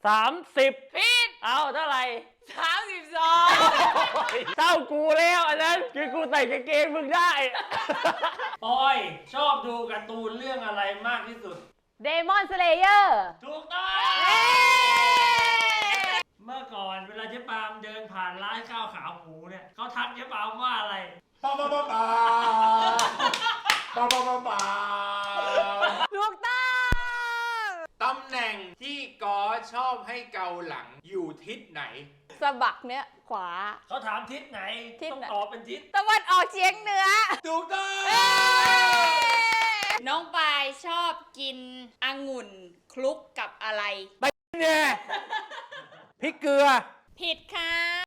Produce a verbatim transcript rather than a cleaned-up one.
สามสิบผิดเอาเท่าไหร่สามสิบสองเท่ากูแล้วอันนั้นคือกูใส่กางเกงมึงได้ปอยชอบดูการ์ตูนเรื่องอะไรมากที่สุดเดมอนสเลเยอร์ถูกต้องเมื่อก่อนเวลาเจ๊ปามเดินผ่านร้านข้าวขาหมูเนี่ยเขาทักเจ๊ปามว่าอะไรปาปาปาปาปาปาปาปาถูกต้องตำแหน่งที่กอชอบให้เกาหลังอยู่ทิศไหนสะบักเนี้ยขวาเขาถามทิศไหนทิศต้องไหนตอบเป็นทิศตะวันออกเฉียงเหนือถูกต้องน้องปายชอบกินองุ่นคลุกกับอะไรเนี่ยพริกเกลือผิดค่ะ